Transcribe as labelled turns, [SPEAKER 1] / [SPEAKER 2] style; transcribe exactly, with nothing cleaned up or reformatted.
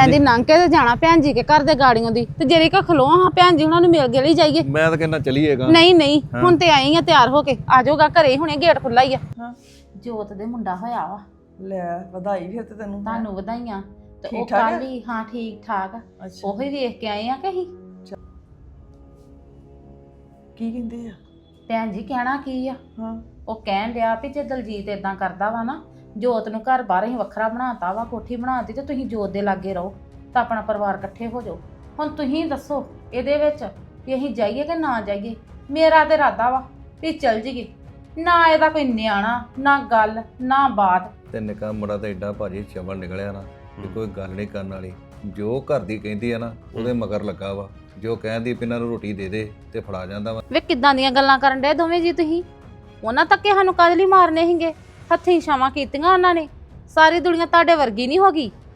[SPEAKER 1] ਕਹਿੰਦੀ ਲੰਘ ਕੇ ਤੇ ਜਾਣਾ ਭੈਣ ਜੀ ਕੇ ਘਰ ਦੇ ਗਾੜੀਆਂ ਦੀ ਤੇ ਜਿਹੜੀ ਕਾ ਖਲੋ ਹਾਂ ਭੈਣ ਜੀ ਉਹਨਾਂ ਨੂੰ ਮਿਲ ਗਏ ਜਾਈਏ।
[SPEAKER 2] ਮੈਂ ਤਾਂ ਕਹਿੰਦਾ ਚਲੀਏਗਾ।
[SPEAKER 1] ਨਹੀਂ ਨਹੀਂ ਹੁਣ ਤੇ ਆਈ ਆ ਤਿਆਰ ਹੋ ਕੇ ਆ ਜਾਊਗਾ ਘਰੇ ਹੁਣੇ ਗੇਟ ਖੁੱਲਾ ਹੀ ਆ।
[SPEAKER 3] ਹਾਂ
[SPEAKER 1] ਜੋਤ ਦੇ ਮੁੰਡਾ ਹੋਇਆ ਵਾ।
[SPEAKER 3] ਲੈ ਵਧਾਈ ਫਿਰ ਤੇ ਤੈਨੂੰ
[SPEAKER 1] ਤੁਹਾਨੂੰ ਵਧਾਈਆਂ ਤੇ ਉਹ
[SPEAKER 3] ਠੀਕ ਠਾਕ
[SPEAKER 1] ਕੱਲ ਹੀ ਹਾਂ ਠੀਕ ਠਾਕ ਆ।
[SPEAKER 3] ਅੱਛਾ
[SPEAKER 1] ਉਹੀ ਵੇਖ ਕੇ ਆਏ ਆ ਕਿ ਅਸੀਂ
[SPEAKER 3] ਕੀ ਕਹਿੰਦੇ ਆ?
[SPEAKER 1] ਭੈਣ ਜੀ ਕਹਿਣਾ ਕੀ ਆ
[SPEAKER 3] ਹਾਂ
[SPEAKER 1] ਉਹ ਕਹਿਣ ਡਿਆ ਵੀ ਜੇ ਦਲਜੀਤ ਇਦਾਂ ਕਰਦਾ ਵਾ ਨਾ ਜੋਤ ਨੂੰ ਘਰ ਬਾਹਰ ਹੀ ਵੱਖਰਾ ਬਣਾਤਾ ਵਾ ਕੋਠੀ ਬਣਾਤੀ ਤੇ ਤੁਸੀਂ ਜੋਤ ਦੇ ਲਾਗੇ ਰਹੋ ਤਾਂ ਆਪਣਾ ਪਰਿਵਾਰ ਇਕੱਠੇ ਹੋ ਜਾਓ। ਹੁਣ ਤੁਸੀਂ ਦੱਸੋ ਇਹਦੇ ਵਿੱਚ ਵੀ ਅਸੀਂ ਜਾਈਏ ਕਿ ਨਾ ਜਾਈਏ। ਮੇਰਾ ਤੇ ਇਰਾਦਾ ਵਾ ਵੀ ਚੱਲ ਜੀਏ। ਨਾ ਇਹਦਾ ਕੋਈ ਨਿਆਣਾ ਨਾ ਗੱਲ ਨਾ ਬਾਤ।
[SPEAKER 2] ਤੇ ਨਿੱਕਾ ਮੁੰਡਾ ਤਾਂ ਐਡਾ ਭਾਜੀ ਚਵਲ ਨਿਕਲਿਆ ਨਾ ਕਿ ਕੋਈ ਗੱਲ ਨਹੀਂ ਕਰਨ ਵਾਲੀ। ਜੋ ਘਰ ਦੀ ਕਹਿੰਦੀ ਆ ਨਾ ਉਹਦੇ ਮਗਰ ਲੱਗਾ ਵਾ। ਜੋ ਕਹਿੰਦੀ ਵੀ ਇਹਨਾਂ ਨੂੰ ਰੋਟੀ ਦੇ ਦੇ ਤੇ ਫੜਾ ਜਾਂਦਾ ਵਾ।
[SPEAKER 1] ਵੇ ਕਿੱਦਾਂ ਦੀਆਂ ਗੱਲਾਂ ਕਰਨ ਡਏ ਦੋਵੇਂ ਜੀ ਤੁਸੀਂ। ਉਹਨਾਂ ਤੱਕ ਸਾਨੂੰ ਕਾਹਦੇ ਲਈ ਮਾਰਨੇ ਸੀਗੇ। ਹੱਥੀਂ ਛਾਵਾਂ ਕੀਤੀਆਂ ਉਹਨਾਂ ਨੇ। ਸਾਰੀ ਦੁਨੀਆ ਤੁਹਾਡੇ ਵਰਗੀ ਨਹੀਂ ਹੋ ਗਈ।